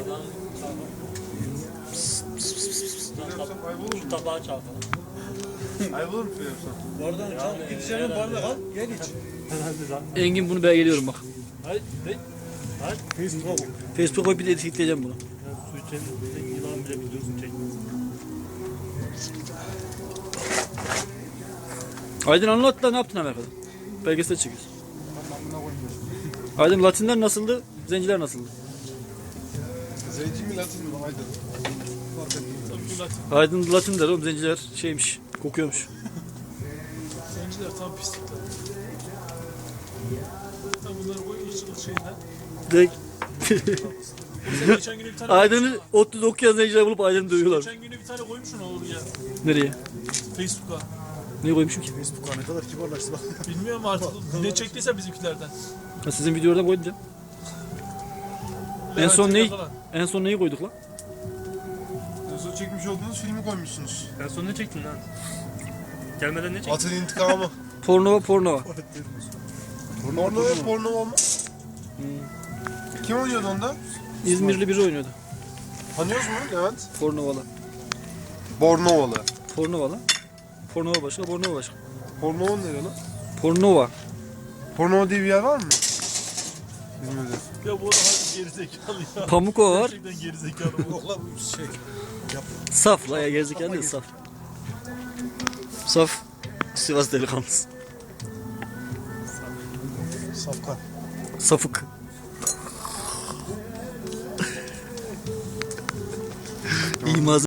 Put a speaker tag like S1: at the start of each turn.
S1: İlk tabağı çaldı.
S2: Ayıp olur mu şöyle yapsam?
S3: Bardağı çal, git içeri bardak al, gel iç.
S4: Engin bunu belgeliyorum bak.
S1: Hayır.
S4: Facebook'a bir de etiketleyeceğim bunu.
S1: Su içelim. Yılan bile biliyorsun çek.
S4: Aydın anlat da ne yaptın Amerika'da? Belgesel çekiyorsun. Aydın Latinler nasıldı? Zenciler nasıldı?
S2: Zenci mi Latin mi? Haydi. Fark etmiyor.
S4: Aydın Latin der oğlum, zenciler şeymiş, kokuyormuş.
S5: Zenciler tam pislikler. Tam bunları koy ırkçılık şeyinden.
S4: Direkt
S5: Sen geçen günü bir tane
S4: Aydın'ı ODTÜ'de okuyan zenciler bulup Aydın'ı dövüyorlar.
S5: geçen günü bir tane koymuşsun oraya
S4: Nereye?
S5: Facebook'a.
S4: Niye koymuşum ki?
S3: Facebook'a ne kadar kibarlaştı bak.
S5: Bilmiyorum artık ne çektiyse bizimkilerden.
S4: Ha, sizin videoda koydum canım. En son neyi koyduk lan?
S2: Son çekmiş olduğunuz filmi koymuşsunuz.
S1: En son ne çektin lan? Gelmeden ne çektin?
S2: Atın intikamı.
S4: Pornova.
S2: Porno ve porno mu? Kim oynuyordu onda?
S4: İzmirli biri oynuyordu.
S2: Tanıyoruz mu Levent?
S4: Pornovala.
S2: Bornovalı.
S4: Pornova başka, Pornova başka.
S2: Pornova nereye lan?
S4: Pornova.
S2: Pornova diye bir yer var mı? Bilmiyorum.
S5: Ya bu arada harbi gerizekalı ya.
S4: Pamukova var.
S5: Gerçekten gerizekalı bu.
S3: Yok lan bu şey.
S4: Saf la ya, gerizekalı değil, saf. Saf. Sivas delikanlısı.
S3: Safkan.
S4: Safık. İyi malzeme.